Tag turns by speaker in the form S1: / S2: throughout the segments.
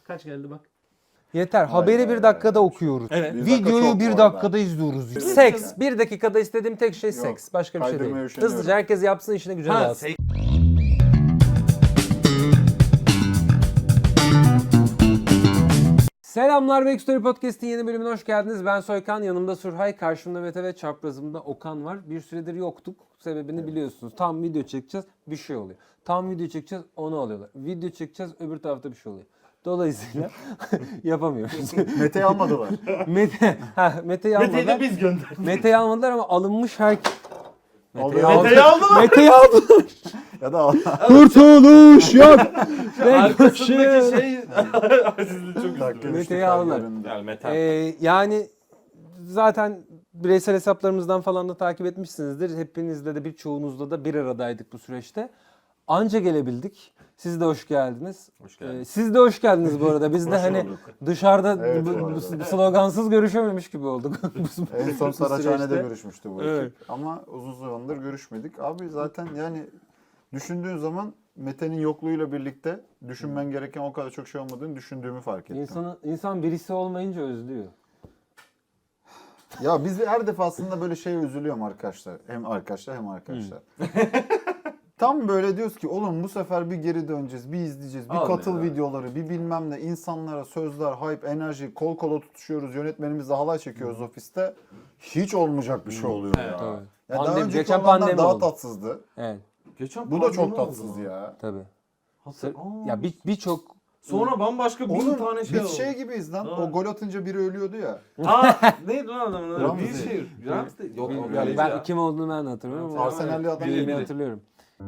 S1: Kaç geldi bak.
S2: Yeter. Haberi bir dakikada okuyoruz.
S1: Evet.
S3: Bir dakika
S2: Videoyu
S3: çok
S2: bir
S3: bu
S2: dakikada
S3: arada.
S2: izliyoruz.
S3: Evet.
S2: Seks. Bir dakikada istediğim tek şey
S3: Yok.
S2: seks. Başka bir şey
S3: Kaydırmaya
S2: değil.
S3: üşeniyorum.
S2: Hızlıca herkes yapsın, işine gücüne
S1: Ha,
S2: alsın. Selamlar, Backstory Podcast'in yeni bölümüne hoş geldiniz. Ben Soykan, yanımda Surhay, karşımda Mete ve çaprazımda Okan var. Bir süredir yoktuk. Sebebini biliyorsunuz. Tam video çekeceğiz, bir şey oluyor. Tam video çekeceğiz, onu alıyorlar. Video çekeceğiz, öbür tarafta bir şey oluyor. Dolayısıyla yapamıyoruz.
S3: Mete'yi almadılar.
S2: Mete'yi almadılar.
S1: Mete'yi de biz gönderdik.
S2: Mete'yi almadılar ama alınmış herkes...
S1: Mete'yi aldılar.
S2: Mete'yi aldılar.
S3: Ya da
S2: Kurtuluş yok.
S1: Arkasındaki şey Aziz'in çok üzüldü.
S2: Mete'yi aldılar.
S1: Gel Mete.
S2: Yani zaten bireysel hesaplarımızdan falan da takip etmişsinizdir. Hepinizle de birçoğunuzla da bir aradaydık bu süreçte. Anca gelebildik. Siz de hoş geldiniz.
S1: Hoş geldiniz.
S2: Siz de hoş geldiniz bu arada. Biz de
S1: Hoş
S2: hani
S1: bulduk.
S2: dışarıda
S3: Evet,
S2: bu
S3: bu arada.
S2: slogansız görüşememiş gibi olduk.
S3: En son
S2: Bu
S3: Saraçhane'de
S2: süreçte.
S3: görüşmüştü bu
S2: Evet.
S3: ekip. Ama uzun zamandır görüşmedik. Abi zaten yani düşündüğün zaman Mete'nin yokluğuyla birlikte düşünmen gereken o kadar çok şey olmadığını düşündüğümü fark ettim.
S2: İnsan birisi olmayınca özlüyor.
S3: Ya biz her defasında böyle şeye üzülüyorum arkadaşlar. Hem arkadaşlar hem arkadaşlar. Tam böyle diyoruz ki oğlum bu sefer bir geri döneceğiz, bir izleyeceğiz, bir
S1: Abi
S3: katıl
S1: ya.
S3: videoları, bir bilmem ne, insanlara sözler, hype, enerji, kol kola tutuşuyoruz, yönetmenimizle halay çekiyoruz ofiste. Hiç olmayacak bir şey oluyor
S1: Evet,
S3: ya.
S2: tabii.
S3: Ya daha
S2: Pandemi,
S3: önceki
S2: geçen
S3: olanlar
S2: pandemi
S3: daha
S2: oldu.
S3: tatsızdı.
S2: Evet,
S1: Geçen
S3: Bu da
S1: pandemi
S3: çok
S1: oldu
S3: tatsız
S1: lan.
S3: ya.
S2: tabii.
S1: Aa.
S2: Ya birçok
S1: Sonra bambaşka bin
S3: Oğlum
S1: tane şey
S3: biz
S1: oldu.
S3: şey gibiyiz lan.
S1: Ha.
S3: O gol atınca biri ölüyordu ya.
S1: Aa, neydi lan adamın adı?
S3: Ramsey.
S1: Wilshere. Ramsey. Yok o
S2: Yani
S1: kaleci
S2: ben
S1: ya.
S2: kim olduğunu ben de hatırlamıyorum ama
S3: Arsenal'li adam
S2: birini
S1: biri.
S2: hatırlıyorum.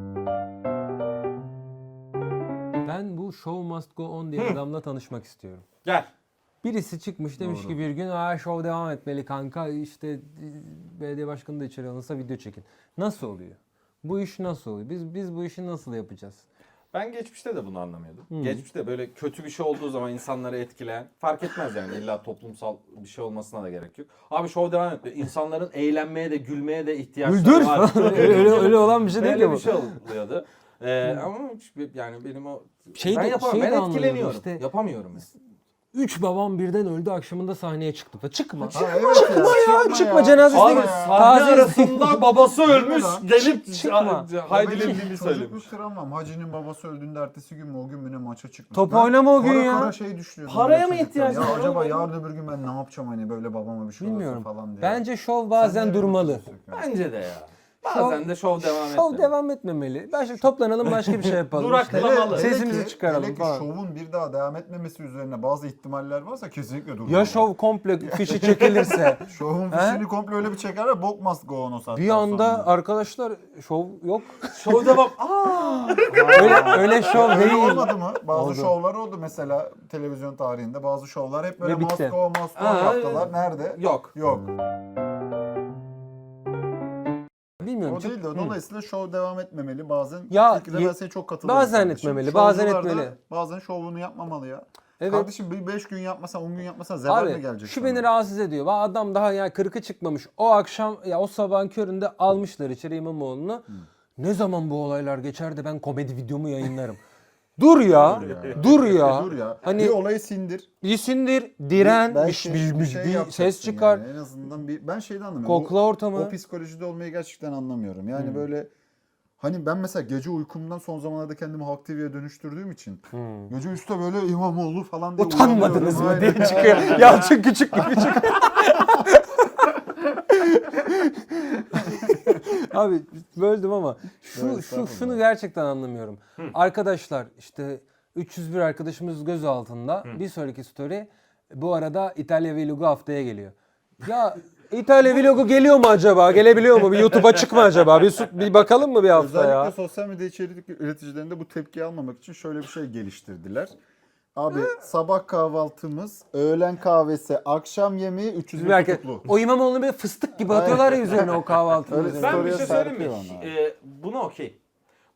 S2: Ben bu Show Must Go On diye adamla tanışmak istiyorum.
S1: Gel.
S2: Birisi çıkmış demiş ki bir gün show devam etmeli kanka, işte belediye başkanı da içeri alınsa video çekin. Nasıl oluyor? Bu iş nasıl oluyor? Biz bu işi nasıl yapacağız?
S1: Ben geçmişte de bunu anlamıyordum. Geçmişte böyle kötü bir şey olduğu zaman insanları etkileyen, fark etmez yani illa toplumsal bir şey olmasına da gerek yok. Abi show devam ediyor. İnsanların eğlenmeye de gülmeye de ihtiyaçları
S2: Güldür
S1: var.
S2: falan. öyle olan bir şey değil ki
S1: Böyle
S2: bu.
S1: bir şey oluyordu. Ama yani benim o
S2: Şey
S1: ben
S2: de-
S1: yapamam.
S2: şey de
S1: Ben
S2: anlıyorum
S1: etkileniyorum.
S2: işte.
S1: Yapamıyorum. Yani.
S2: 3 babam birden öldü akşamında sahneye çıktı. Çıkma.
S3: Ha, evet ya.
S2: Çıkma cenazesine
S1: Abi
S2: git.
S1: sahne
S2: Taziye-
S1: arasında babası ölmüş.
S3: Lan.
S1: Gelip
S2: Çıkma.
S1: Haydi'nin
S3: Benim
S1: dilini söylemiş.
S3: çocukluk travmam. Hacı'nın babası öldüğünde ertesi gün mü o gün mü ne maça çıkmış.
S2: Top
S3: Ben
S2: oynama o gün
S3: kara
S2: ya.
S3: Kara şey düşünüyordum.
S1: Paraya
S3: böyle
S1: mı
S3: çocukken.
S1: ihtiyacın
S3: Ya
S1: var
S3: acaba
S1: oğlum?
S3: yarın öbür gün ben ne yapacağım hani böyle babama bir şey
S2: Bilmiyorum.
S3: olursa falan diye.
S2: Bence şov
S3: Sen
S2: bazen
S3: ne
S2: durmalı.
S3: düşünüyorsun?
S1: Bence de ya. Bazen de şov devam etmeli.
S2: Şov devam etmemeli. Toplanalım başka bir şey yapalım.
S1: Duraklamalı.
S2: İşte sesimizi çıkaralım
S3: hele ki
S2: falan.
S3: şovun bir daha devam etmemesi üzerine bazı ihtimaller varsa kesinlikle durmalı.
S2: Ya şov komple fişi çekilirse.
S3: Şovun fişini komple öyle bir çekerler bok must go on o saatten
S2: Bir anda
S3: sonra.
S2: arkadaşlar şov yok.
S1: Şov devam. Aa!
S2: öyle şov
S3: Öyle
S2: değil.
S3: olmadı mı? Bazı
S2: Oldu.
S3: şovlar oldu mesela televizyon tarihinde. Bazı şovlar hep böyle
S2: Ve bitti.
S3: must go
S1: Aa,
S3: yaptılar. Nerede?
S1: Yok.
S3: Yok.
S2: Bilmiyorum.
S3: O değil de dolayısıyla şov devam etmemeli bazen.
S2: Ya,
S3: Fikirde ben sana çok katılıyorum.
S2: bazen
S3: kardeşim.
S2: etmemeli, bazen
S3: Şovcular da
S2: etmeli.
S3: Bazen şovunu yapmamalı ya.
S2: Evet.
S3: Kardeşim bir 5 gün yapmasan 10 gün yapmasan zeval mi
S2: Abi
S3: gelecek
S2: şu
S3: sana?
S2: beni rahatsız ediyor. Adam daha ya kırkı çıkmamış. O akşam ya o sabahın köründe almışlar içeri İmamoğlu'nu. Ne zaman bu olaylar geçer de ben komedi videomu yayınlarım. Dur ya. Dur ya.
S3: Dur ya.
S2: Hani
S3: bir olayı sindir.
S2: iyisindir, diren,
S3: Belki
S2: bir
S3: yapacaksın
S2: ses çıkar.
S3: yani. En azından ben şeyden anlamıyorum.
S2: Kokla ortamı.
S3: O psikolojide olmayı gerçekten anlamıyorum. Yani böyle hani ben mesela gece uykumdan son zamanlarda kendimi Halk TV'ye dönüştürdüğüm için gece üstte böyle İmamoğlu falan diye
S2: Utanmadınız mı
S3: uyanıyorum.
S2: diye
S3: Aynen.
S2: çıkıyor. Yalçın Küçük gibi çıkıyor. Abi böldüm ama şunu gerçekten anlamıyorum. Arkadaşlar işte 301 arkadaşımız gözaltında. Bir sonraki story bu arada İtalya Vlogu haftaya geliyor. Ya İtalya Vlogu geliyor mu acaba? Gelebiliyor mu? Bir YouTube'a çıkma acaba? Bir bakalım mı bir hafta
S3: Özellikle
S2: ya?
S3: sosyal medya içerik üreticilerinde bu tepkiyi almamak için şöyle bir şey geliştirdiler. Abi sabah kahvaltımız, öğlen kahvesi, akşam yemeği 300
S2: Bizim herkes,
S3: tutuklu.
S2: o İmamoğlu'nu böyle fıstık gibi atıyorlar ya üzerine o kahvaltının
S3: Öyle
S2: üzerine.
S1: Ben bir şey
S3: Story'e
S1: söyleyeyim mi?
S3: sarkıyor ona.
S1: Buna okey.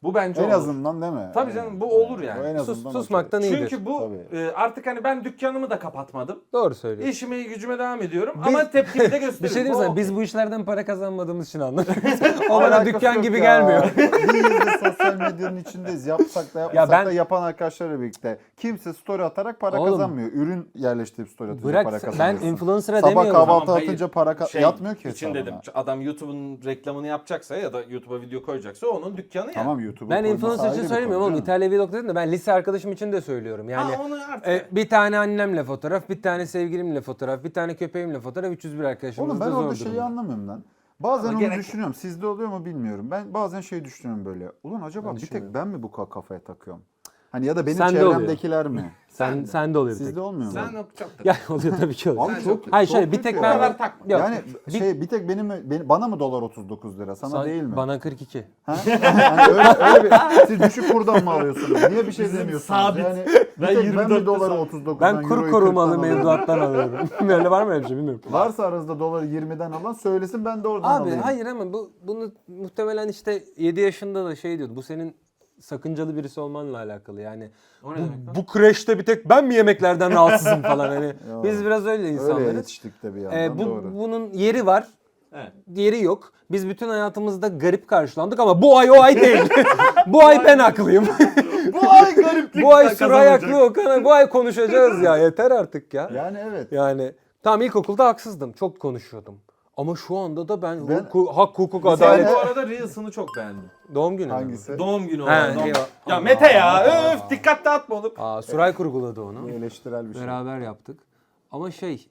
S1: Bu bence
S3: En
S1: olur.
S3: azından değil mi?
S1: Tabii canım, bu olur yani.
S3: O en azından
S2: Susmaktan
S3: okey.
S2: iyidir.
S1: Çünkü bu
S3: Tabii.
S1: artık hani ben dükkanımı da kapatmadım.
S2: Doğru söylüyorsun.
S1: İşime gücüme devam ediyorum ama tepkimi de gösteriyorum.
S2: Bir şey diyeyim
S1: Bu
S2: sana,
S1: okey.
S2: biz bu işlerden para kazanmadığımız için anlamıyoruz. O bana
S3: Alakası
S2: dükkan
S3: yok
S2: gibi
S3: ya.
S2: gelmiyor.
S3: Bir yıldır sosyal medyanın içindeyiz. Yapsak da yapmasak
S2: ben-
S3: da yapan arkadaşlarla birlikte. Kimse story atarak para
S2: Oğlum,
S3: kazanmıyor. Ürün yerleştirip story atınca
S2: Bırak,
S3: para
S2: ben
S3: kazanıyorsun.
S2: influencer'a
S3: Sabah
S2: demiyorum.
S3: kahvaltı
S1: Tamam, hayır.
S3: atınca para yatmıyor ki
S1: için
S3: hesabına.
S1: dedim. Adam YouTube'un reklamını yapacaksa ya da YouTube'a video koyacaksa onun dükkanı yani.
S3: Tamam YouTube'u
S2: Ben
S3: koyması
S2: influencer
S3: ayrı
S2: için
S3: bir
S2: söylemiyorum
S3: konu
S2: oğlum.
S3: canım.
S2: İtalya Vlog dedim de ben lise arkadaşım için de söylüyorum. Yani
S1: Ha, onu artık.
S2: bir tane annemle fotoğraf, bir tane sevgilimle fotoğraf, bir tane köpeğimle fotoğraf, 301 arkadaşımız
S3: Oğlum
S2: da
S3: ben
S2: zor
S3: orada şeyi
S2: durumda.
S3: anlamıyorum lan. Bazen
S1: Ama
S3: onu
S1: gerek-
S3: düşünüyorum. Sizde oluyor mu bilmiyorum. Ben bazen şey düşünüyorum böyle. Ulan acaba
S2: Ben
S3: bir tek
S2: düşünüyorum.
S3: ben mi bu kafaya takıyorum? Hani ya da benim
S2: Sende oluyor.
S3: çevremdekiler mi?
S2: Sen de oluyor bir tek.
S3: Sizde olmuyor mu?
S1: Sen o çok
S2: Ya oluyor tabii ki oluyor.
S3: Abi çok
S2: Hayır
S3: çok
S2: şöyle bir
S3: kötü
S2: tek
S3: ya.
S1: Bu
S2: ben...
S1: kadar takma.
S2: Yok,
S3: Yani bir tek bana mı dolar 39 lira? Sana değil mi?
S2: Bana 42.
S3: Ha? Yani öyle bir siz düşük kurdan mı alıyorsunuz? Niye bir şey demiyorsunuz?
S1: sabit.
S3: Yani
S1: Ben
S3: bir tek ben
S1: 24'te
S3: mi doları
S1: sabit.
S3: 39'dan
S2: Ben kur
S3: euroyu
S2: korumalı
S3: 40'tan alıyorum?
S2: mevduattan alıyorum. Öyle var mı öyle bir şey bilmiyorum.
S3: Varsa aranızda doları 20'den alan söylesin ben de oradan
S2: Abi
S3: alayım.
S2: hayır ama bunu muhtemelen işte 7 yaşında da şey diyordu. Bu senin sakıncalı birisi olmanla alakalı yani.
S1: O ne demek lan?
S2: Bu kreşte bir tek ben mi yemeklerden rahatsızım falan hani. Biz biraz öyle
S3: Öyle
S2: insanlarız.
S3: yetiştik de bir yandan doğru.
S2: Bunun yeri var.
S1: Evet.
S2: Yeri yok. Biz bütün hayatımızda garip karşılandık ama bu ay o ay değil. Bu ay ben haklıyım.
S1: Bu ay gariplik.
S2: Bu ay Suray haklı Okan. Bu ay konuşacağız ya. Yeter artık ya.
S3: Yani evet.
S2: Yani tam ilkokulda haksızdım. Çok konuşuyordum. Ama şu anda da ben
S3: Ben-
S2: hak, hukuk,
S1: Sen
S2: adalet...
S1: bu arada Reels'ını çok beğendim.
S2: Doğum günü mü?
S3: Hangisi?
S1: Doğum günü
S2: He,
S1: olan. doğum-
S2: eyvah.
S1: Ya Mete ya, öf dikkat dağıtma oğlum.
S2: Aa, Suray kurguladı onu.
S3: Bu eleştirel bir şey.
S2: Beraber yaptık. Ama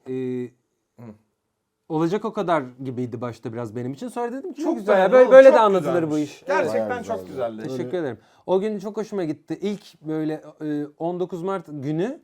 S2: olacak o kadar gibiydi başta biraz benim için. Sonra dedim ki çok güzel.
S1: beğendim
S2: Böyle,
S1: oğlum,
S2: böyle
S1: çok
S2: de anlatılır
S1: güzelmiş.
S2: bu iş.
S1: Gerçekten
S3: Bayağı
S1: çok
S3: güzeldi.
S1: güzeldi.
S2: Teşekkür ederim. O gün çok hoşuma gitti. İlk böyle 19 Mart günü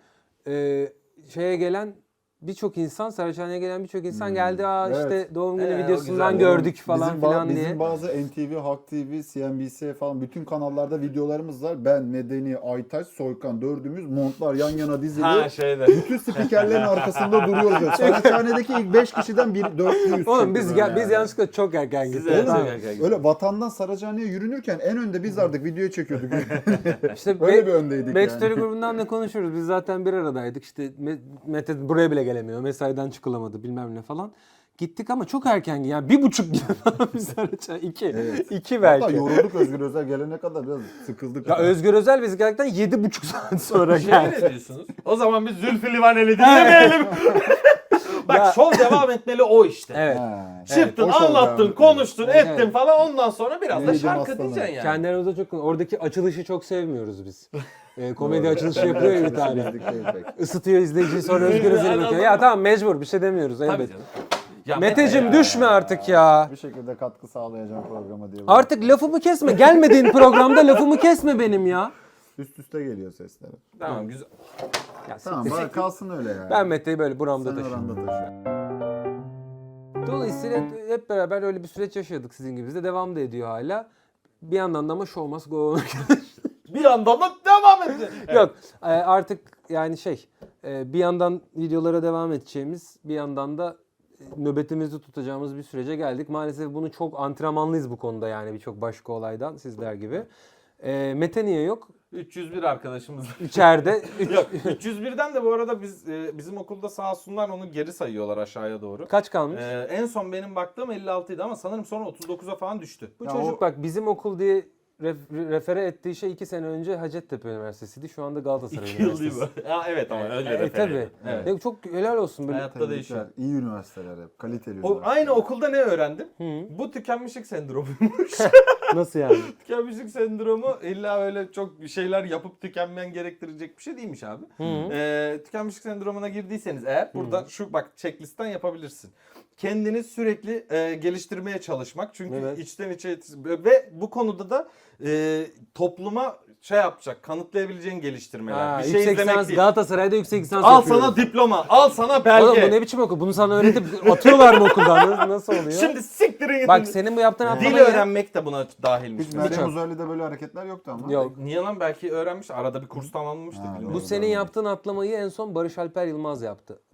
S2: şeye gelen birçok insan, Saraçhane'ye gelen birçok insan geldi. Aa
S3: Evet.
S2: işte doğum günü
S1: O
S2: videosundan
S1: güzel.
S2: gördük falan filan diye.
S3: Bizim bazı NTV, Halk TV, CNBC falan bütün kanallarda videolarımız var. Ben, Medeni, Aytaç, Soykan dördümüz montlar yan yana dizili.
S1: Ha şeyde.
S3: Bütün spikerlerin arkasında duruyoruz. Böyle. Saraçhane'deki ilk 5 kişiden bir dörtlüyüz.
S2: Oğlum
S3: çünkü
S2: biz
S3: böyle
S2: biz yanlışlıkla çok erken
S1: Siz
S2: gittik.
S1: evet,
S2: Tamam.
S1: çok erken
S3: Öyle vatandan Saraçhane'ye yürünürken en önde biz vardık, video çekiyorduk.
S2: İşte
S3: Öyle bir öndeydik
S2: Backstory
S3: yani.
S2: grubundan da konuşuruz. Biz zaten bir aradaydık. İşte Mete buraya bile gelemiyor. Mesaiden çıkılamadı bilmem ne falan. Gittik ama çok erken yani 1,5 gibi falan biz Saraçhane. 2.
S3: Evet.
S2: 2 belki.
S3: Hatta yorulduk Özgür Özel gelene kadar biraz sıkıldık.
S2: Ya Özgür Özel biz geldikten 7,5 saat sonra
S1: Şey
S2: geldi.
S1: ne diyorsunuz? O zaman biz Zülfü Livaneli dinlemeyelim. Bak
S2: Ya-
S1: şov devam etmeli o işte.
S2: Evet.
S3: Ha.
S1: Çıktın,
S3: o şov
S1: anlattın,
S3: devam
S1: konuştun,
S2: Evet.
S1: ettin falan ondan sonra biraz da
S3: Neydim
S1: şarkı
S3: aslanım.
S1: diyeceksin yani.
S2: Kendi aramızda çok oradaki açılışı çok sevmiyoruz biz. Komedi açılışı yapıyor ya bir tane.
S3: Bizlik değil pek.
S2: Isıtıyor izleyiciyi sonra Özgür Özel'i
S1: Aynen.
S2: bakıyor. Ya tamam mecbur bir şey demiyoruz
S1: Tabii
S2: elbet.
S1: canım. Ya
S2: Meteciğim
S1: Mete ya.
S2: düşme artık ya.
S3: Bir şekilde katkı sağlayacağım programa diye.
S2: Artık lafımı kesme. Gelmediğin programda lafımı kesme benim ya.
S3: Üst üste geliyor sesler.
S1: Tamam güzel.
S2: Ya
S3: Tamam bari kalsın öyle ya.
S2: Ben Mete'yi böyle buramda
S3: Sen
S2: taşıyorum.
S3: oranda taşı.
S2: Dolayısıyla hep beraber öyle bir süreç yaşadık sizin gibi. De devam da ediyor hala. Bir yandan da ama show must go on.
S1: Bir anda da devam edecek.
S2: Yok artık yani bir yandan videolara devam edeceğimiz bir yandan da nöbetimizi tutacağımız bir sürece geldik. Maalesef bunu çok antrenmanlıyız bu konuda yani birçok başka olaydan sizler gibi. Mete niye yok?
S1: 301 arkadaşımız.
S2: İçeride.
S1: Yok 301'den de bu arada bizim okulda sağ olsunlar onu geri sayıyorlar aşağıya doğru.
S2: Kaç kalmış?
S1: En son benim baktığım 56 idi ama sanırım sonra 39'a falan düştü.
S2: Bu
S3: Ya
S2: çocuk bak bizim okul diye refere ettiği şey 2 sene önce Hacettepe Üniversitesi'ydi. Şu anda Galatasaray
S1: 2 yıl değil
S2: Üniversitesi.
S1: mi? Ha, evet ama öyle
S2: Tabii.
S1: referandum. Evet.
S2: Ya çok helal olsun böyle.
S1: Hayatta değişiyor.
S3: Tebrikler. İyi üniversiteler hep. Kaliteli
S1: O,
S3: üniversiteler.
S1: aynı okulda ne öğrendim?
S2: Hı.
S1: Bu tükenmişlik sendromuymuş.
S2: Nasıl yani?
S1: Tükenmişlik sendromu illa öyle çok bir şeyler yapıp tükenmen gerektirecek bir şey değilmiş abi. Tükenmişlik sendromuna girdiyseniz eğer burada şu bak checklistten yapabilirsin. Kendini sürekli geliştirmeye çalışmak. Çünkü
S2: Evet.
S1: içten içe ve bu konuda da topluma şey yapacak, kanıtlayabileceğin geliştirmeler. Bir şey
S2: yüksek
S1: izlemek
S2: lisans
S1: değil.
S2: Galatasaray'da yüksek lisans
S1: Al
S2: yapıyoruz.
S1: sana diploma, al sana belge.
S2: Oğlum bu ne biçim okul? Bunu sana öğretip atıyorlar mı okuldan? Nasıl oluyor?
S1: Şimdi siktirin gidin.
S2: Bak senin bu yaptığın
S1: Dil
S2: atlamayı...
S1: öğrenmek de buna dahilmiş.
S3: Hiç Meryem
S2: Birçok.
S3: Uzerli'de böyle hareketler yoktu ama.
S2: Yok.
S1: Niye lan belki öğrenmiş arada bir kurs tamamlamıştı.
S3: Ha,
S1: bilmiyorum.
S2: Bu
S3: Doğru,
S2: senin
S3: doğru.
S2: yaptığın atlamayı en son Barış Alper Yılmaz yaptı.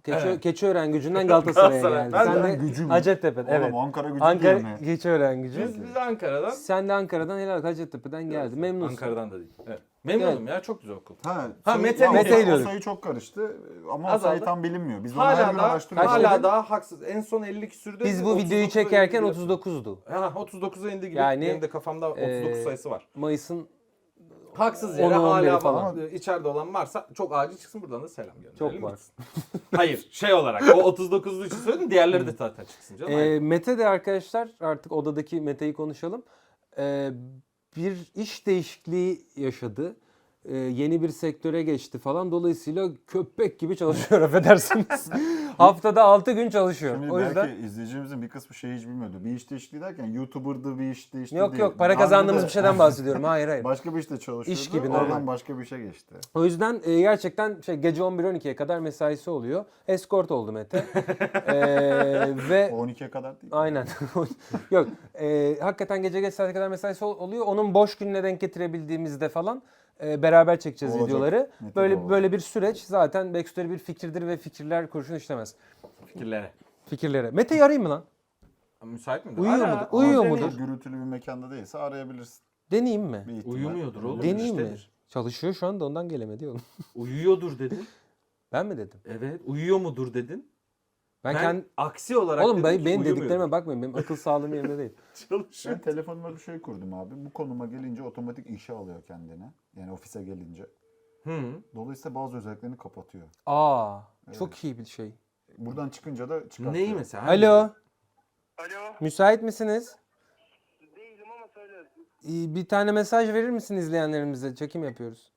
S2: Keçiören Gücü'nden Galatasaray'a
S1: Galatasaray.
S2: geldi.
S1: Ben
S2: Sen
S3: de
S2: de
S3: Gücü mü?
S2: Hacettepe'den.
S3: Oğlum
S2: Evet.
S3: Ankara Gücü
S2: Ankara
S3: diyor mu?
S2: Keçiören Gücü.
S1: Biz Ankara'dan.
S2: Sen de Ankara'dan Helal Hacettepe'den geldi. Memnunsun.
S1: Ankara'dan da değil. Evet. Memnunum ya, çok güzel okul.
S3: Ha,
S1: Mete-
S3: ya,
S2: Mete
S3: o
S2: diyorduk.
S3: sayı çok karıştı ama o
S1: Azaldı.
S3: sayı tam bilinmiyor. Biz onu her
S1: Hala
S3: gün
S1: da
S3: araştırıyoruz.
S2: Kaç dedin?
S1: hala daha haksız. En son 50 küsürdü.
S2: Biz bu videoyu
S1: 39'a
S2: çekerken
S1: indi.
S2: 39'du.
S1: Ha, 39'a indi gibi.
S2: Yani,
S1: Benim de kafamda 39 sayısı var.
S2: Mayıs'ın
S1: Haksız yere
S2: 10'u 11'i
S1: hala
S2: falan.
S1: falan içeride olan varsa çok acil çıksın, buradan da selam gönderelim.
S2: Çok var.
S1: gitsin. Hayır, şey olarak o 39'lu için söyledim, diğerleri de zaten çıksın canım. Hayır.
S2: Mete de arkadaşlar, artık odadaki Mete'yi konuşalım. Bir iş değişikliği yaşadı. Yeni bir sektöre geçti falan. Dolayısıyla köpek gibi çalışıyor, affedersiniz. Haftada 6 gün çalışıyor.
S3: Şimdi
S2: O yüzden
S3: belki izleyicimizin bir kısmı şeyi hiç bilmiyordu. Bir iş değişikliği derken YouTuber'dı bir iş değişikliği
S2: yok
S3: değil.
S2: yok, para
S3: Daha önce
S2: kazandığımız
S3: de
S2: bir şeyden bahsediyorum. Hayır hayır.
S3: Başka bir işte çalışıyordu.
S2: İş gibi,
S3: Oradan
S2: normal.
S3: başka bir işe geçti.
S2: O yüzden gerçekten gece 11-12'ye kadar mesaisi oluyor. Escort oldu Mete. Ve
S3: 12'ye kadar değil.
S2: aynen. Yok, hakikaten gece geç saate kadar mesaisi oluyor. Onun boş gününe denk getirebildiğimizde falan beraber çekeceğiz
S3: Olacak.
S2: videoları.
S3: Mete de
S2: Böyle
S3: olacak.
S2: böyle bir süreç. Zaten backstory bir fikirdir ve fikirler kurşun işlemez.
S1: Fikirlere.
S2: Fikirlere. Mete'yi arayayım mı lan?
S1: Müsait midir?
S2: Uyuyor
S1: Ara,
S2: mudur?
S1: ama
S2: Uyuyor
S1: deneyim.
S2: mudur?
S3: Gürültülü bir mekanda değilse arayabilirsin.
S2: Deneyeyim mi?
S3: Bir ihtimal.
S1: Uyumuyordur oğlum.
S2: Deneyeyim mi?
S1: iştedir.
S2: Çalışıyor şu anda, ondan gelemedi oğlum.
S1: Uyuyordur dedin.
S2: Ben mi dedim?
S1: Evet. Uyuyor mudur dedin.
S2: Ben
S1: Ben
S2: kendi...
S1: aksi olarak
S2: Oğlum
S1: dedim ki
S2: benim
S1: uyumuyordur.
S2: dediklerime bakmayın. Benim akıl sağlığım yerinde değil.
S1: Çalışıyor.
S3: Ben telefonuma bir şey kurdum abi. Bu konuma gelince otomatik işe alıyor kendine. Yani ofise gelince.
S1: Hı.
S3: Dolayısıyla bazı özelliklerini kapatıyor.
S2: Aa,
S3: Evet.
S2: çok iyi bir şey.
S3: Buradan çıkınca da çıkartıyor.
S1: Neyi mesela?
S2: Alo,
S4: Alo,
S2: müsait misiniz?
S4: değilim ama söyle.
S2: Bir tane mesaj verir misin izleyenlerimize? Çekim yapıyoruz.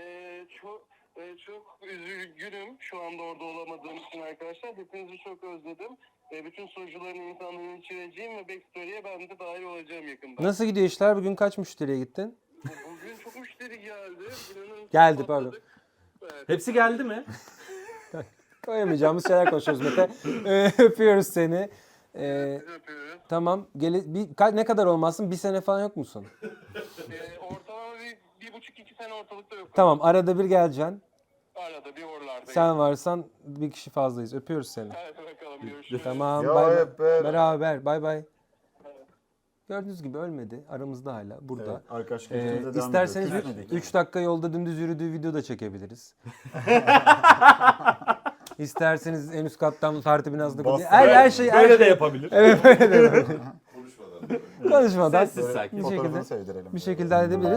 S4: Çok üzgünüm şu anda orada olamadığım için arkadaşlar. Hepinizi çok özledim. Bütün sunucuların insanların içireceğim ve Backstory'e ben de dahil olacağım yakında.
S2: Nasıl gidiyor işler? Bugün kaç müşteriye gittin?
S4: Bugün çok müşteri geldi. İnanın
S2: Geldi,
S4: patladık.
S2: pardon.
S4: Evet.
S1: Hepsi geldi mi?
S2: Koyamayacağımız şeyler konuşuyoruz Mete. Öpüyoruz seni.
S4: Sizi öpüyoruz.
S2: Tamam. Ne kadar olmasın? Bir sene falan yok musun?
S4: Ortalama bir buçuk iki sene ortalıkta yok.
S2: Tamam. Arada bir geleceksin.
S4: Arada bir oralardayım.
S2: Sen varsan bir kişi fazlayız. Öpüyoruz seni.
S4: Hadi bakalım görüşürüz.
S2: Tamam.
S3: Ya
S2: Bay bay.
S3: hep beraber.
S2: Beraber. Bay bay. Gördüğünüz gibi ölmedi. Aramızda hala. Burada.
S3: Evet, arkadaşlık ilişkimize devam
S2: İsterseniz
S3: ediyor. Küsmedik
S2: 3 dakika yolda dümdüz yürüdüğü video da çekebiliriz. İsterseniz en üst kattan parti binasında
S3: Bas-
S2: her şey
S1: Böyle de yapabilir.
S2: Evet böyle de yapabiliriz. Konuşmadan
S1: Sessiz sakin.
S2: bir
S3: Fotoğrafını
S2: şekilde
S3: sevdirelim.
S2: bir şekilde halledebiliriz.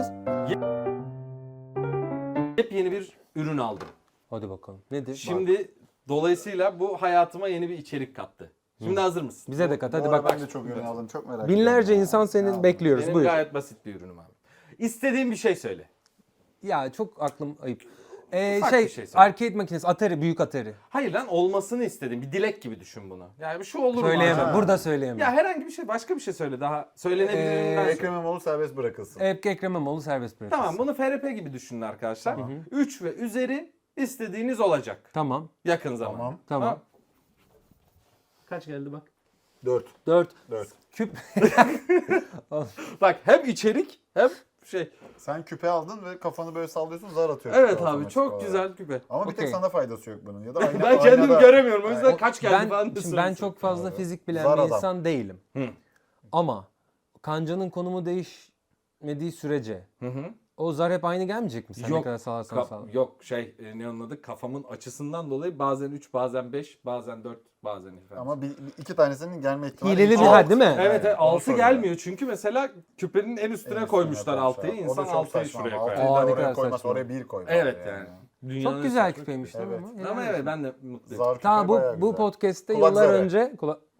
S1: Yepyeni bir ürün aldım.
S2: Hadi bakalım. Nedir?
S1: Şimdi dolayısıyla bu hayatıma yeni bir içerik kattı. Şimdi hazır mısın?
S2: Bize de kat.
S3: Bu
S2: Hadi
S3: arada
S2: bak.
S3: ben de çok ürün aldım. Çok merak
S2: Binlerce
S3: ediyorum.
S2: insan senin
S3: Ya.
S2: bekliyoruz.
S1: Benim
S2: Buyur.
S1: gayet basit bir ürünüm abi. İstediğin bir şey söyle.
S2: Ya çok aklım ayıp.
S1: Ufak
S2: Şey,
S1: bir şey söyle.
S2: arcade makinesi, Atari, büyük Atari.
S1: Hayır lan, olmasını istedim. Bir dilek gibi düşün bunu. Yani şu olur mu?
S2: Söyleyemem.
S1: acaba?
S2: Burada söyleyemem.
S1: Ya herhangi bir şey, başka bir şey söyle daha. Söylenebilirinden söyle.
S3: Ekrem İmamoğlu serbest bırakılsın.
S2: Ekrem İmamoğlu serbest bırakılsın.
S1: Tamam, bunu FRP gibi düşünün arkadaşlar. 3 ve üzeri istediğiniz olacak.
S2: Tamam.
S1: Yakın zamanda.
S2: Tamam.
S1: Kaç geldi bak.
S3: 4.
S2: 4
S3: 4.
S2: küp.
S1: Bak hem içerik hem şey.
S3: Sen küpe aldın ve kafanı böyle sallıyorsun, zar atıyorsun.
S1: Evet abi,
S3: otomatik
S1: çok
S3: olarak.
S1: güzel küpe.
S3: Ama bir tek
S2: Okey.
S3: sana faydası yok bunun. Ya da
S1: Ben kendimi göremiyorum. O yüzden
S3: Yani
S1: kaç geldi falan da
S2: Şimdi ben
S1: söylesin.
S2: çok fazla fizik bilen
S3: Zar
S2: bir
S3: adam.
S2: insan değilim.
S1: Hı.
S2: Ama kancanın konumu değişmediği sürece
S1: Hı hı.
S2: o zar hep aynı gelmeyecek mi? Sen ne
S1: Yok,
S2: kadar sağlarsan sağla.
S1: Yok ne onun adı, kafamın açısından dolayı bazen 3 bazen 5 bazen 4 bazen efendim.
S3: Ama iki tanesinin gelme ihtimali
S2: Hileli
S3: yüksek.
S2: bir hal değil mi?
S1: Evet,
S3: onu
S1: 6
S3: soruyorum.
S1: gelmiyor çünkü mesela küpenin en üstüne koymuşlar 6'yı. İnsan 6'yı şuraya koyar.
S3: 6'yı
S2: Aa,
S3: da
S2: ne
S3: oraya
S2: kadar
S3: koymaz,
S2: saçma.
S3: oraya 1 koy.
S1: Evet yani. Dünyanın
S2: Çok güzel
S1: saçma
S2: küpeymiş değil mi?
S3: Evet.
S2: Helal
S1: Ama
S2: olsun.
S1: evet, ben de mutluyum.
S3: Zar küpe
S2: Tamam,
S3: bayağı
S2: bu
S3: güzel.
S2: podcast'te
S3: Kulak
S2: yıllar
S3: zarı.
S2: önce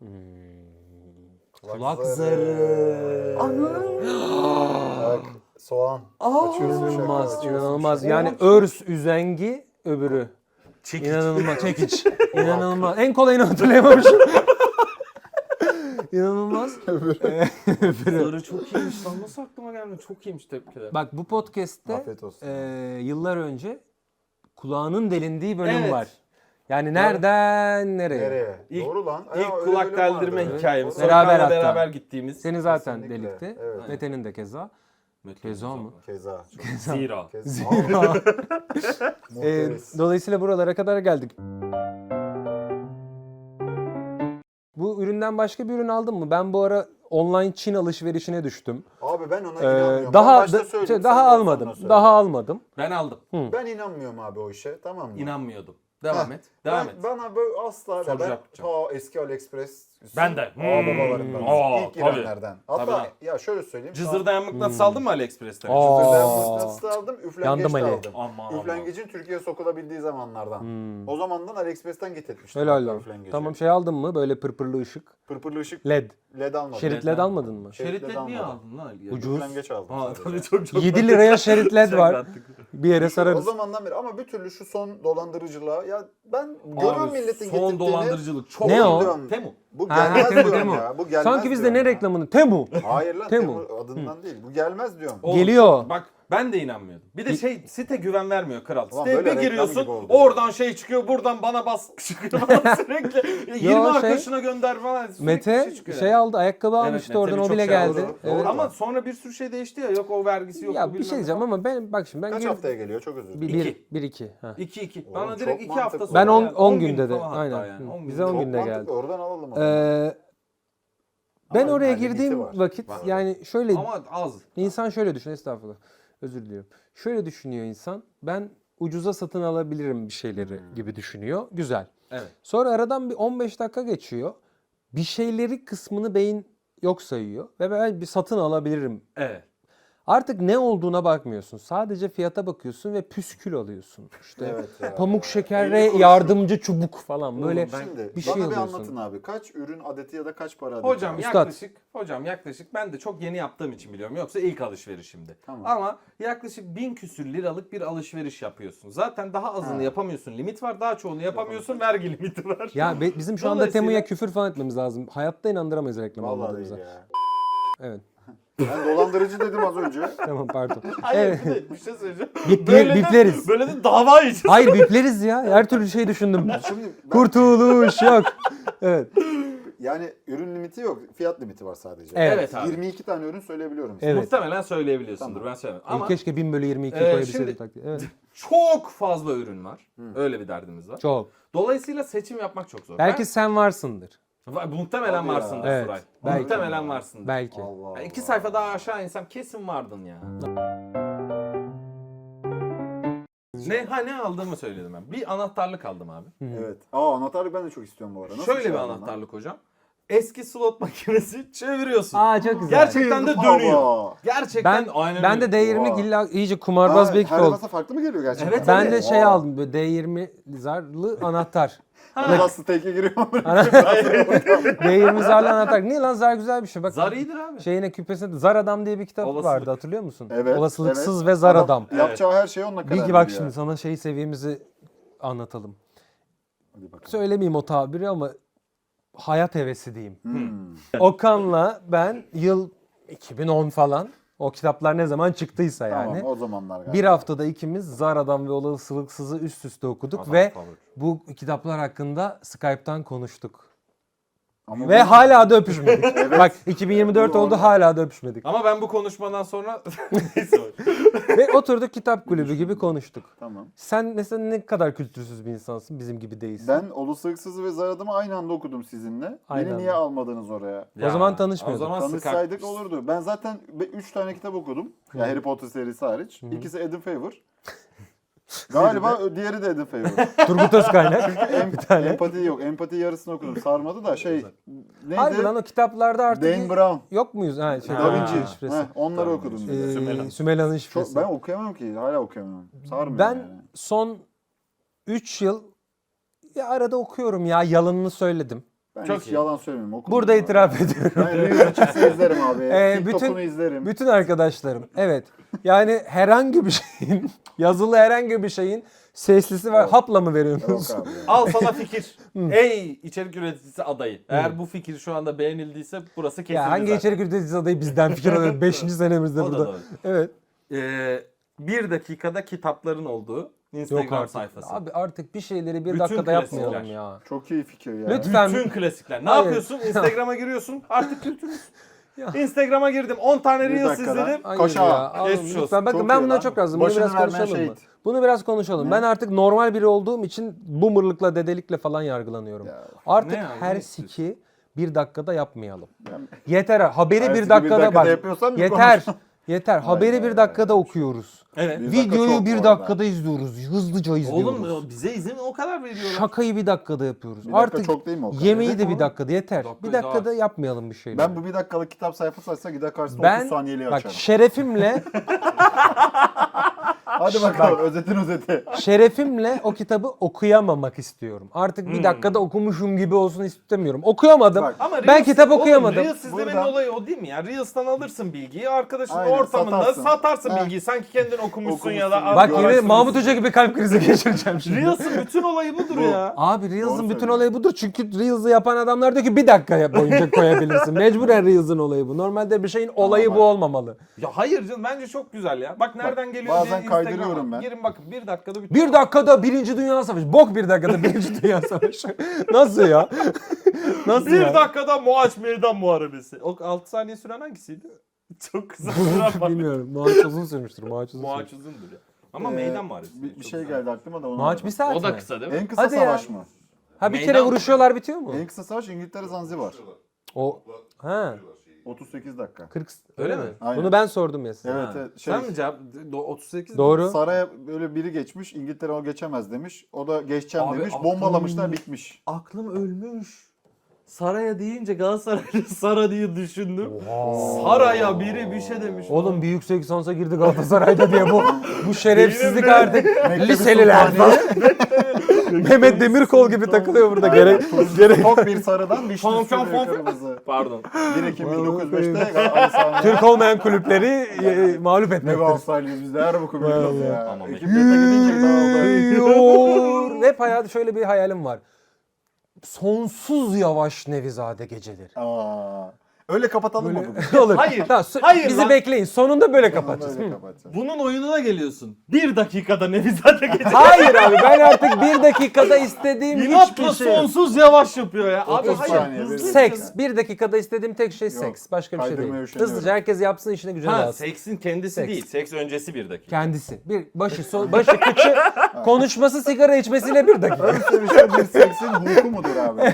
S2: kulak zarı.
S3: Bak, soğan. Açıyorsun şaka,
S2: İnanılmaz,
S3: açıyorsun
S2: inanılmaz.
S3: şaka.
S2: Yani örs, üzengi, öbürü.
S1: Çekiç.
S2: İnanılmaz. Çekiç. İnanılmaz. En kolayını hatırlayamamışım. İnanılmaz.
S1: Zarı çok iyiymiş lan. Nasıl aklıma gelmedi? Çok iyiymiş, tebrik ederim.
S2: Bak, bu podcast'te
S3: Afiyet olsun.
S2: yıllar önce kulağının delindiği bölüm
S1: Evet.
S2: var. Yani nereden nereye?
S3: Nereye?
S1: İlk-
S3: Doğru lan.
S1: İlk
S3: öyle
S1: kulak
S3: bölüm
S1: deldirme
S3: vardı.
S1: hikayemiz.
S3: Doğru.
S2: Beraber
S1: Beraber
S2: hatta.
S1: beraber gittiğimiz.
S2: Seni zaten
S3: Kesinlikle.
S2: delikti.
S3: Evet.
S2: Mete'nin de keza. Keza mı?
S3: Keza. Çok
S1: Zero.
S3: keza. Muhteriz.
S2: Dolayısıyla buralara kadar geldik. Bu üründen başka bir ürün aldın mı? Ben bu ara online Çin alışverişine düştüm.
S3: Abi ben ona inanmıyorum.
S2: Daha
S3: Ben başta söyleyeyim,
S2: daha
S3: sen daha
S2: almadım.
S3: sonra söyle.
S2: Daha almadım.
S1: Ben aldım.
S3: Ben inanmıyorum abi o işe, tamam mı?
S1: İnanmıyordum. Devam et. Devam et.
S3: Bana böyle asla
S1: Soru
S3: ben
S1: yapacağım.
S3: eski AliExpress
S1: Ben de.
S3: babalarından
S1: Aa,
S3: ilk
S1: tabii.
S3: girenlerden. Hatta
S1: Tabii.
S3: ya şöyle söyleyeyim.
S1: Cızır dayanmak nasıl aldın mı AliExpress'ten?
S2: Aa.
S3: Cızırdayan da aldım, üflengeç
S2: Yandım
S3: de
S2: Ali.
S3: aldım.
S1: Aman.
S3: Üflengecin Türkiye'ye sokulabildiği zamanlardan. O zamandan AliExpress'ten getirtmiştim.
S2: Helal
S3: hatta
S2: lan.
S3: üflengeci.
S2: Tamam şey aldın mı? Böyle pırpırlı ışık.
S3: Pırpırlı ışık
S2: LED.
S3: LED almadım.
S2: Şerit LED almadın mı?
S1: Şerit
S3: Şeritleri
S1: niye
S3: almadım.
S1: aldın lan Ali?
S2: Ucuz.
S3: Üflengeç aldım.
S1: Aa,
S3: sadece.
S1: tabii çok
S2: 7 liraya şerit LED var.
S1: Şaklattık.
S2: Bir yere
S3: O
S2: sararız.
S3: zamandan beri ama bir türlü şu son dolandırıcılığa ya ben görüyorum
S1: Abi,
S3: milletin
S1: son
S3: getirdiğini.
S1: dolandırıcılık çok
S2: Ne o?
S3: Diyorum,
S1: Temu.
S3: Bu
S2: Ha,
S3: gelmez
S2: Temu,
S3: diyorum
S2: Temu.
S3: ya. Bu gelmez
S2: Sanki biz de
S3: diyorum
S2: ne
S3: ya.
S2: reklamını? Temu.
S3: Hayır lan
S2: Temu.
S3: Temu adından değil. Bu gelmez diyorum.
S1: Oğlum,
S2: Geliyor.
S1: Bak ben de inanmıyordum. Bir de site güven vermiyor kral.
S3: Ulan
S1: Siteye
S3: böyle
S1: bir
S3: reklam
S1: giriyorsun
S3: gibi oldu.
S1: oradan şey çıkıyor buradan bana bas çıkıyor falan sürekli. 20
S2: Yo,
S1: arkadaşına gönder falan. Sürekli bir
S2: Mete
S1: çıkıyor
S2: şey
S1: yani.
S2: aldı, ayakkabı
S1: Evet,
S2: almıştı
S1: Mete
S2: oradan, o
S1: birçok
S2: bile
S1: şey aldı.
S2: geldi.
S3: Doğru.
S2: Evet.
S1: Ama sonra bir sürü şey değişti ya. Yok o vergisi yok.
S2: Ya
S1: bu
S2: bir
S1: bilmem
S2: şey
S1: ne
S2: diyeceğim
S1: falan.
S2: ama ben bak şimdi
S3: Kaç
S2: gir-
S3: haftaya geliyor? Çok özür dilerim.
S2: bir,
S1: İki.
S2: bir iki. Ha.
S1: 2-2.
S3: Oğlum,
S1: Bana
S3: çok
S1: direkt 2 hafta
S3: mantıklı.
S1: sonra.
S2: Ben 10
S1: geldi.
S2: 10
S1: gün
S2: günde de.
S1: falan hatta
S2: Aynen.
S1: yani. 10
S2: Bize
S1: günde.
S2: 10
S3: Çok
S2: günde
S3: mantıklı.
S2: geldi.
S3: Oradan alalım o zaman.
S2: Ben
S3: Ama
S2: oraya
S3: limiti
S2: girdiğim
S3: var.
S2: vakit
S3: Var.
S2: yani şöyle
S1: Ama az.
S2: insan şöyle düşün, estağfurullah. Özür diliyorum. Şöyle düşünüyor insan. Ben ucuza satın alabilirim bir şeyleri gibi düşünüyor. Güzel.
S1: Evet.
S2: Sonra aradan bir 15 dakika geçiyor. Bir şeyleri kısmını beyin yok sayıyor ve ben bir satın alabilirim.
S1: Evet.
S2: Artık ne olduğuna bakmıyorsun. Sadece fiyata bakıyorsun ve püskül alıyorsun. İşte
S3: Evet ya.
S2: pamuk
S3: 50
S2: şekerle
S3: kuruşluk.
S2: yardımcı çubuk falan böyle
S1: ben-
S3: Şimdi
S2: bir şey
S3: bana bir
S2: alıyorsun.
S3: anlatın abi. Kaç ürün adeti ya da kaç para adeti?
S1: Hocam
S2: Üstad.
S1: yaklaşık ben de çok yeni yaptığım için biliyorum. Yoksa ilk alışverişimdi.
S3: Tamam.
S1: Ama yaklaşık 1000 küsür liralık bir alışveriş yapıyorsun. Zaten daha azını
S3: Ha.
S1: yapamıyorsun. Limit var. Daha çoğunu yapamıyorsun. Vergi limiti var.
S2: Ya bizim şu anda
S1: Dolayısıyla-
S2: Temu'ya küfür falan etmemiz lazım. Hayatta inandıramayız reklam
S3: Vallahi
S2: almadığımıza.
S3: değil ya.
S2: Evet.
S3: Ben dolandırıcı dedim az önce.
S2: Tamam pardon.
S1: Hayır
S2: Evet.
S1: bir şey söyleyeceğim.
S2: Bipleriz.
S1: Böyle de dava yiyeceğiz.
S2: Hayır bipleriz ya. Her türlü şey düşündüm.
S3: Şimdi ben-
S2: Kurtuluş yok. Evet.
S3: yani ürün limiti yok. Fiyat limiti var sadece.
S2: Evet.
S1: abi.
S3: 22 tane ürün söyleyebiliyorum.
S2: Evet.
S1: Muhtemelen söyleyebiliyorsundur.
S3: Tamam.
S1: Ben söylemedim. Ama
S2: Keşke 1000 bölü 22
S1: Şimdi-
S2: koyabilseydim taktiği. Evet.
S1: çok fazla ürün var. Öyle bir derdimiz var.
S2: Çok.
S1: Dolayısıyla seçim yapmak çok zor.
S2: Belki sen varsındır.
S1: Muhtemelen
S3: Hadi ya.
S1: varsındır
S2: Evet,
S1: Suray.
S2: belki.
S1: Muhtemelen varsındır.
S2: Belki.
S3: Allah Allah.
S1: 2 sayfa daha aşağı insem kesin vardın ya. Ne aldığımı söyledim ben. Bir anahtarlık aldım abi.
S3: Evet. Anahtarlık ben de çok istiyorum bu arada. Nasıl
S1: Şöyle bir
S3: şey aldın lan?
S1: anahtarlık hocam. Eski slot makinesi çeviriyorsun.
S2: Aa çok güzel.
S1: Gerçekten de
S3: Hava.
S1: dönüyor. Gerçekten
S2: Ben
S1: aynen
S2: ben de
S1: öyle.
S2: D20
S3: Oha.
S2: illa iyice kumarbaz bir ekip
S3: Her
S2: oldu.
S3: masa farklı mı geliyor gerçekten?
S1: Evet,
S2: Ben
S1: evet.
S2: de şey
S3: Oha.
S2: aldım böyle D20 zarlı anahtar.
S3: Nasıl teke giriyor mu?
S2: D20 zarlı anahtar. Niye lan zar güzel bir şey. Bak
S1: Zar iyidir abi.
S2: şeyine küpesinde Zar Adam diye bir kitap
S1: Olasılık.
S2: vardı hatırlıyor musun?
S3: Evet.
S2: Olasılıksız
S3: evet.
S2: ve Zar Adam.
S3: Yapacağı her şeyi onunla karar
S2: Bir
S3: veriyor.
S2: bak şimdi sana şey seviyemizi anlatalım.
S3: Hadi bakalım.
S2: Söylemeyeyim o tabiri ama hayat hevesi diyeyim.
S3: Hmm.
S2: Okan'la ben yıl 2010 falan o kitaplar ne zaman çıktıysa yani.
S3: Tamam o zamanlar galiba.
S2: Bir haftada ikimiz Zar Adam ve Olasılıksız'ı üst üste okuduk
S1: Adam
S2: ve
S1: favori.
S2: bu kitaplar hakkında Skype'tan konuştuk.
S3: Ama
S2: Ve
S3: bu-
S2: hala da öpüşmedik.
S3: Evet.
S2: Bak 2024 oldu hala da öpüşmedik.
S1: Ama ben bu konuşmadan sonra neyse.
S2: Ve oturduk kitap kulübü gibi konuştuk.
S3: Tamam.
S2: Sen mesela ne kadar kültürsüz bir insansın, bizim gibi değilsin.
S3: Ben Olasılıksız'ı ve Zar Adam'ı aynı anda okudum sizinle.
S2: Aynı
S3: Beni
S2: anda.
S3: niye almadınız oraya?
S2: O zaman tanışmıyorduk.
S1: O zaman
S3: Tanışsaydık olurdu. Ben zaten 3 tane kitap okudum. Ya Harry Potter serisi hariç. İkisi Adam Favor. Galiba diğeri de Adam Favor.
S2: Turgut Özkaynak. tane.
S3: Empati yok. Empati yarısını okudum. Sarmadı da şey neydi?
S2: Harbi lan o kitaplarda artık
S3: Dan Brown.
S2: yok muyuz? Ha, şey,
S1: Ha.
S3: Da
S2: Da
S3: Vinci.
S2: şifresi.
S3: Onları okudum. bir de.
S1: Sümela'nın.
S2: Sümela'nın
S3: Çok,
S2: şifresi.
S3: ben okuyamam ki. Hala okuyamam. Sarmıyor
S2: Ben
S3: yani.
S2: son 3 yıl ya arada okuyorum ya, yalanını söyledim.
S3: Ben
S1: Çok
S3: hiç
S1: iyi.
S3: yalan söylemiyorum. Okudum
S2: Burada
S3: abi.
S2: itiraf ediyorum.
S3: Ben Reels'ı izlerim abi. TikTok'unu
S2: bütün-
S3: izlerim.
S2: Bütün arkadaşlarım. Evet. Yani herhangi bir şeyin, yazılı herhangi bir şeyin seslisi var.
S3: Yok.
S2: Hapla mı veriyorsunuz?
S3: Yok abi.
S1: Al sana fikir. Ey içerik üreticisi adayı. Eğer bu fikir şu anda beğenildiyse burası kesildi
S2: Ya hangi
S1: zaten.
S2: içerik üreticisi adayı bizden fikir alıyor 5. senemizde
S1: O da
S2: burada.
S1: doğru.
S2: Evet.
S1: 1 dakikada kitapların olduğu Instagram
S2: Yok artık.
S1: sayfası.
S2: Abi artık bir şeyleri bir
S1: Bütün
S2: dakikada
S1: klasikler.
S2: yapmayalım ya.
S3: Çok iyi fikir ya.
S2: Lütfen.
S1: Bütün klasikler. Ne
S2: Hayır.
S1: yapıyorsun? Instagram'a giriyorsun. Artık kültürüz.
S2: Ya.
S1: Instagram'a girdim. 10 tane
S3: Bir
S1: Reels
S3: dakikada.
S1: izledim.
S2: Hayır
S3: Koşa.
S2: ya. Oğlum,
S1: Geçmiş olsun.
S2: lütfen. Bakın
S3: Çok
S2: ben
S3: iyi
S2: buna
S3: lan.
S2: çok razım. Bunu
S3: Başını
S2: biraz
S3: vermeyen
S2: konuşalım mı?
S3: şehit.
S2: Bunu biraz konuşalım.
S3: Ne?
S2: Ben artık normal biri olduğum için boomerlıkla, dedelikle falan yargılanıyorum.
S3: Ya.
S2: Artık
S1: Ne ya,
S2: her
S1: ne
S2: siki 1 dakikada yapmayalım.
S3: Ben-
S2: Yeter haberi
S3: Ertesi
S2: 1
S3: bir
S2: dakikada
S3: dakikada
S2: bak.
S3: yapıyorsan bir
S2: Yeter.
S3: konuş.
S2: Yeter. Haberi
S3: Hayır,
S2: 1 dakikada okuyoruz.
S1: Evet.
S3: Bir dakika
S2: Videoyu
S3: çok
S2: 1
S3: bu
S2: dakikada
S3: arada.
S2: izliyoruz. Hızlıca izliyoruz.
S1: Oğlum bize izin o kadar veriyorlar.
S2: Şakayı 1 dakikada yapıyoruz.
S3: Bir dakika
S2: Artık
S3: çok değil mi o kadar?
S2: yemeği
S1: Evet
S2: de 1
S1: oğlum.
S2: dakikada yeter.
S1: Dakika
S2: 1 dakikada
S1: daha-
S2: yapmayalım bir şeyler.
S3: Ben bu 1 dakikalık kitap sayfası açsa gider karşısında
S2: Ben
S3: 30 saniyeliği
S2: bak
S3: açarım.
S2: şerefimle
S3: Hadi bakalım özetin özeti.
S2: şerefimle o kitabı okuyamamak istiyorum. Artık 1 dakikada okumuşum gibi olsun istemiyorum. Okuyamadım.
S3: Bak,
S1: Ama
S2: Ben kitap okuyamadım.
S1: Reels izlemenin
S3: Buradan-
S1: olayı o değil mi ya? Reels'tan alırsın bilgiyi, arkadaşın
S3: Aynen,
S1: ortamında
S3: satarsın.
S1: satarsın
S3: Heh.
S1: bilgiyi. Sanki kendin okumuşsun ya da...
S3: Okumuşsun.
S2: Bak
S3: Video
S2: yine
S3: araştırması.
S2: Mahmut Hoca gibi kalp krizi geçireceğim şimdi.
S1: Reels'ın bütün olayı budur
S3: Bu.
S1: ya.
S2: Abi Reels'ın
S3: Doğru
S2: bütün
S3: söylüyorsun.
S2: olayı budur. Çünkü Reels'ı yapan adamlar diyor ki 1 dakika boyunca koyabilirsin. Mecburen Reels'ın olayı bu. Normalde bir şeyin olayı
S3: bak.
S2: bu olmamalı.
S1: Ya hayır canım bence çok güzel ya. Bak nereden geliyor
S3: bazen
S1: diye Instagram'a
S3: kaydırıyorum ben.
S1: girin bakın 1 dakikada bütün.
S2: 1 dakikada 1. Dünya Savaşı. Bok 1 dakikada 1. Dünya Savaşı. Nasıl ya? Nasıl
S1: Bir
S2: ya?
S1: dakikada Moaç Meydan Muharebesi. O 6 saniye süren hangisiydi? Çok kısa süren var.
S2: Bilmiyorum. Moaç uzun sürmüştür. Moaç uzun
S1: Moaç
S2: sürmüştür.
S1: uzundur ya. Ama meydan muharebesi.
S3: Bir şey geldi aklıma da onu.
S2: Moaç 1 saat
S1: O da
S2: mi?
S1: kısa değil mi?
S3: En kısa
S2: Hadi ya.
S3: savaş mı?
S2: Ha bir
S1: Meydan-
S2: kere vuruşuyorlar bitiyor mu?
S3: En kısa savaş İngiltere Zanzibar.
S2: O ha
S3: 38 dakika.
S2: 40
S1: Öyle mi?
S3: Aynen.
S2: Bunu ben sordum ya size.
S3: Evet,
S1: Ha.
S3: evet,
S1: Sen mi cevap? 38
S2: Doğru.
S3: Saraya böyle biri geçmiş, İngiltere o geçemez demiş. O da geçeceğim
S1: Abi,
S3: demiş.
S1: aklım-
S3: Bombalamışlar, bitmiş.
S1: Aklım ölmüş. Saraya deyince Galatasaraylı Sara diye düşündüm. Saraya biri bir şey demiş.
S2: Oğlum bir yüksek lisansa girdi Galatasaray'da diye bu şerefsizlik
S1: Benim de-
S2: artık
S3: Mektebi
S2: liseliler falan.
S3: Sultaniye.
S2: Mehmet Demirkol gibi takılıyor burada gerek.
S3: Tok bir sarıdan vişne
S1: Fon, fon,
S3: sürüyor
S1: fon.
S3: kırmızı.
S1: Pardon.
S3: 1 Ekim 1905'te Galatasaray.
S2: Türk olmayan kulüpleri mağlup
S3: Ne
S2: etmektir.
S3: Galatasaraylıyız biz de her boku biliyoruz ya.
S1: Ama
S3: Ekip yete gidince dağıldı.
S2: Yiyor. Hep hayatı şöyle bir hayalim var. Sonsuz yavaş Nevizade geceleri.
S3: Aa, öyle kapatalım mı bugün?
S2: Olur.
S1: Hayır,
S2: Tamam,
S1: hayır
S2: bizi
S1: lan.
S2: bekleyin. Sonunda böyle kapatacağız.
S3: Böyle
S2: Hı.
S3: kapatacağız.
S1: Bunun oyununa geliyorsun. 1 dakikada Nevizade geçecek.
S2: Hayır abi ben artık 1 dakikada istediğim hiçbir
S1: İnatla
S2: şey yok.
S1: sonsuz yavaş yapıyor ya. Abi
S3: 30
S1: hayır.
S3: saniye,
S1: hızlı
S2: Seks. 1 dakikada istediğim tek şey
S3: Yok,
S2: seks. Başka bir şey
S3: kaydırmaya
S2: değil.
S3: üşeniyorum.
S2: Hızlıca herkes yapsın işine gücüne
S1: Ha,
S2: dağılsın.
S1: seksin kendisi
S2: Seks.
S1: değil. Seks öncesi 1 dakika.
S2: Kendisi. Başı kıçı konuşması sigara içmesiyle 1 dakika.
S3: Ön sevişme bir seksin hukuku mudur abi?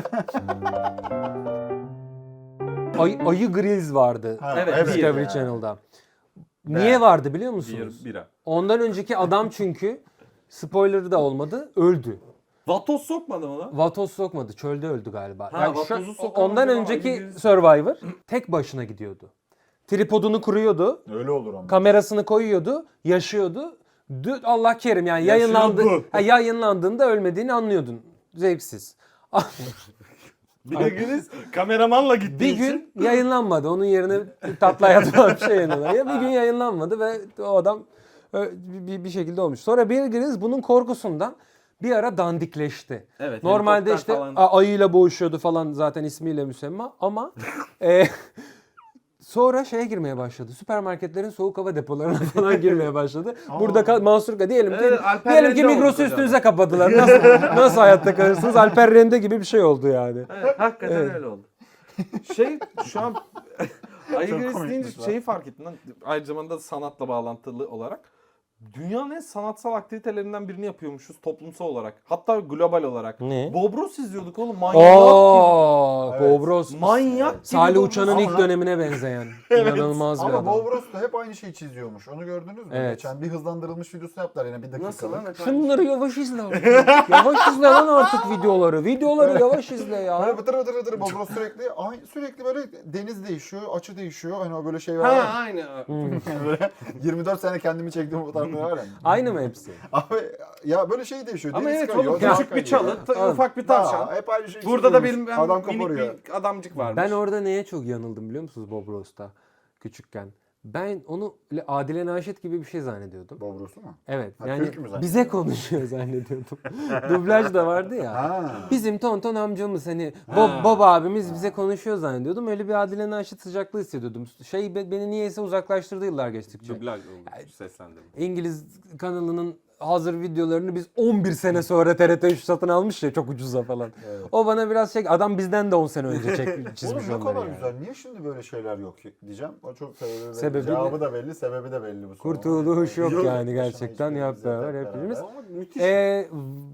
S2: Ayı Grills vardı.
S3: Ha,
S1: Evet,
S2: Discovery
S3: ya.
S2: Channel'da. Niye vardı biliyor musunuz?
S1: Bira.
S2: Ondan önceki adam çünkü spoiler'ı da olmadı. Öldü.
S1: Vatos sokmadı mı lan?
S2: Vatos sokmadı. Çölde öldü galiba.
S1: Ha,
S2: şu-
S1: vatozu sokamadı
S2: ondan
S1: ama
S2: önceki
S1: ayı Grills-
S2: Survivor tek başına gidiyordu. Tripodunu kuruyordu.
S3: Öyle olur ama.
S2: Kamerasını koyuyordu. Yaşıyordu. Allah kerim yani yayınlandığında ölmediğini anlıyordun. Zevksiz.
S1: Bir de Güliz kameramanla gittiği
S2: Bir
S1: için.
S2: gün yayınlanmadı. Onun yerine tatlı hayat falan bir şey yayınladı. Ya bir gün yayınlanmadı ve o adam bir şekilde olmuş. Sonra Bear Grylls bunun korkusundan bir ara dandikleşti.
S1: Evet,
S2: Normalde
S1: helikopter
S2: işte
S1: falan.
S2: ayıyla boğuşuyordu falan zaten ismiyle müsemma ama sonra şeye girmeye başladı. Süpermarketlerin soğuk hava depolarına falan girmeye başladı. Burada Mansur diyelim ki
S1: Evet, Alper
S2: diyelim ki
S1: Rende oldu
S2: Migros'u
S1: hocam.
S2: üstünüze kapadılar. Nasıl hayatta kalırsınız? Alper Rende gibi bir şey oldu yani.
S1: Evet, hakikaten öyle oldu. Şu an Ayı
S3: Çok
S1: Grills
S3: komikmiş
S1: deyince
S3: lan.
S1: şeyi fark ettim lan. Aynı zamanda sanatla bağlantılı olarak. Dünyanın en sanatsal aktivitelerinden birini yapıyormuşuz toplumsal olarak. Hatta global olarak.
S2: Ne?
S1: Bob Ross izliyorduk oğlum. Manyak
S2: Ooo,
S3: Evet.
S2: Bob Ross.
S1: gibi. Manyak gibi.
S2: Salih
S1: Bob
S2: Uçan'ın
S1: Ross.
S2: ilk
S3: Ama-
S2: dönemine benzeyen. İnanılmaz bir
S3: Ama
S2: adam.
S3: Bob Ross da hep aynı şeyi çiziyormuş. Onu gördünüz mü?
S2: Evet.
S3: Geçen bir hızlandırılmış videosu yaptılar yine 1 dakikalık.
S1: Nasıl lan efendim?
S2: Şunları yavaş izle artık. Yavaş izle lan artık videoları. Videoları yavaş izle
S3: Böyle
S2: ya.
S3: vıtır vıtır vıtır Bob Ross sürekli böyle deniz değişiyor, açı değişiyor. Hani o böyle şey
S1: Ha
S3: var ya.
S1: aynı.
S3: Böyle 24 sene kendimi çektiğim fotoğraflar var ya.
S2: Aynı mı hepsi?
S3: Abi ya böyle şey değişiyor.
S1: Ama
S3: deniz
S1: evet
S3: kayıyor,
S1: oğlum
S3: dağ
S1: küçük bir
S3: kayıyor.
S1: çalı, ufak bir tavşan.
S3: Daha, hep aynı şey
S1: Burada da
S3: çiziyormuş.
S1: benim
S3: adam
S1: minik
S3: koparıyor.
S1: bir adamcık varmış.
S2: Ben orada neye çok yanıldım biliyor musunuz Bob Ross'ta küçükken? Ben onu öyle Adile Naşit gibi bir şey zannediyordum.
S3: Bob Ross'u mu?
S2: Evet.
S3: Ha,
S2: Yani
S3: Türk mü zannediyordun?
S2: bize konuşuyor zannediyordum. Dublaj da vardı ya.
S3: Ha.
S2: Bizim tonton amcamız hani Bob abimiz bize konuşuyor zannediyordum. Öyle bir Adile Naşit sıcaklığı hissediyordum. Beni niyeyse uzaklaştırdı yıllar geçtikçe.
S1: Dublaj olmuş, seslendirme.
S2: İngiliz kanalının hazır videolarını biz 11 sene sonra TRT3 satın almış ya çok ucuza falan.
S3: Evet.
S2: O bana biraz adam bizden de 10 sene önce
S3: Oğlum
S2: çizmiş
S3: ne
S2: onları
S3: kadar
S2: yani.
S3: güzel. Niye şimdi böyle şeyler yok diyeceğim. O çok sebebi belli.
S2: Sebebi
S3: Cevabı da belli, sebebi de belli bu sorunun.
S2: Kurtuluş yok yani
S3: başına
S2: gerçekten
S3: hiçbir
S2: yap
S3: bize
S2: beraber
S3: hep
S2: hepimiz.
S3: beraber. Ama müthiş.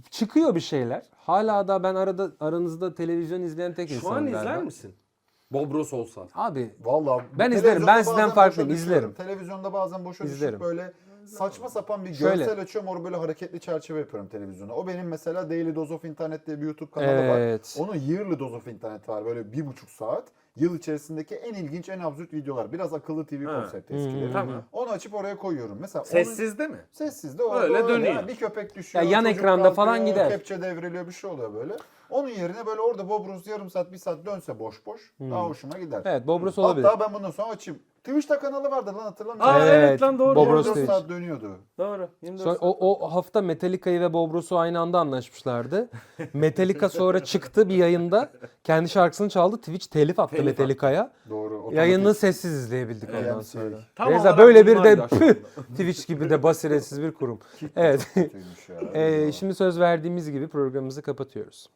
S2: çıkıyor bir şeyler. Hala da ben aranızda televizyon izleyen tek
S5: Şu
S2: insanım
S5: an
S2: galiba.
S5: izler misin? Bobros olsa.
S2: Abi
S3: Vallahi
S2: Ben izlerim.
S3: televizyonda
S2: Ben sizden
S3: bazen
S2: farklıyım,
S3: boşa düşüyorum.
S2: izlerim.
S3: Televizyonda bazen boşa
S2: İzlerim.
S3: düşüp böyle saçma sapan bir
S2: Şöyle.
S3: görsel açıyorum. Orada böyle hareketli çerçeve yapıyorum televizyona. O benim mesela Daily Dose of Internet diye bir YouTube kanalı var.
S2: Evet.
S3: Onun Yearly Dose of Internet var. Böyle 1,5 saat. Yıl içerisindeki en ilginç, en absürt videolar. Biraz akıllı TV
S5: Ha.
S3: konsepti eskileri.
S5: Tamam.
S3: Onu açıp oraya koyuyorum. Mesela
S5: Sessizde mi?
S3: sessiz de orada
S5: Öyle dönüyor.
S3: Yani bir köpek düşüyor.
S2: Ya yan
S3: çocuk
S2: ekranda
S3: kalkıyor,
S2: falan gider.
S3: Kepçe devriliyor, bir şey oluyor böyle. Onun yerine böyle orada Bob Ross yarım saat, bir saat dönse boş boş daha hoşuma gider.
S2: Evet, Bobros olabilir.
S3: Hatta ben bundan sonra açayım. Twitch'te kanalı vardı lan, hatırlamıyor
S5: Aa
S3: musun?
S5: evet lan doğru.
S2: Bob
S5: doğru.
S2: Ross
S3: 24
S2: Twitch.
S3: saat dönüyordu.
S5: Doğru. 24
S2: Sonra o hafta Metallica'yı ve Bob Ross'u aynı anda anlaşmışlardı. Metallica sonra çıktı bir yayında. Kendi şarkısını çaldı. Twitch telif attı
S5: Telif attı.
S2: Metallica'ya.
S3: Doğru. otomatik.
S2: Yayını sessiz izleyebildik ondan
S3: AMC.
S2: sonra.
S5: Tam
S2: Reza
S5: olarak
S2: böyle bir de
S5: bunlar yaşandı.
S2: Twitch gibi de basiretsiz bir kurum. Evet.
S3: Kötüymüş ya.
S2: Şimdi söz verdiğimiz gibi programımızı kapatıyoruz.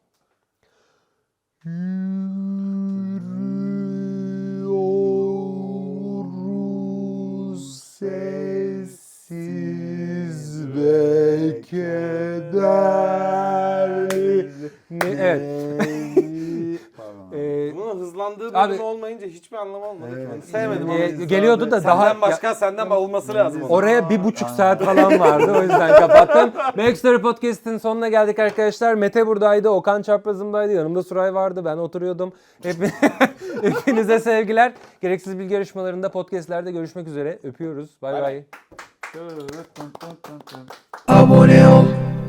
S2: Yürüyoruz sessiz ve keder. Evet.
S3: Pardon.
S5: Bunun hızlandığı
S2: Abi-
S5: bölüm olmayınca hiçbir anlamı olmadı.
S3: Evet.
S5: Ben sevmedim
S2: Ee,
S5: onu.
S2: geliyordu da daha
S5: Senden başka senden olması lazım. onun.
S2: oraya 1,5 saat falan vardı. O yüzden kapattım. Backstory Podcast'in sonuna geldik arkadaşlar. Mete buradaydı. Okan çaprazımdaydı. Yanımda Suray vardı. Ben oturuyordum. Hepinize sevgiler. Gereksiz bilgi yarışmalarında, podcastlerde görüşmek üzere. Öpüyoruz. Bay bay.
S3: Evet.
S2: Abone ol.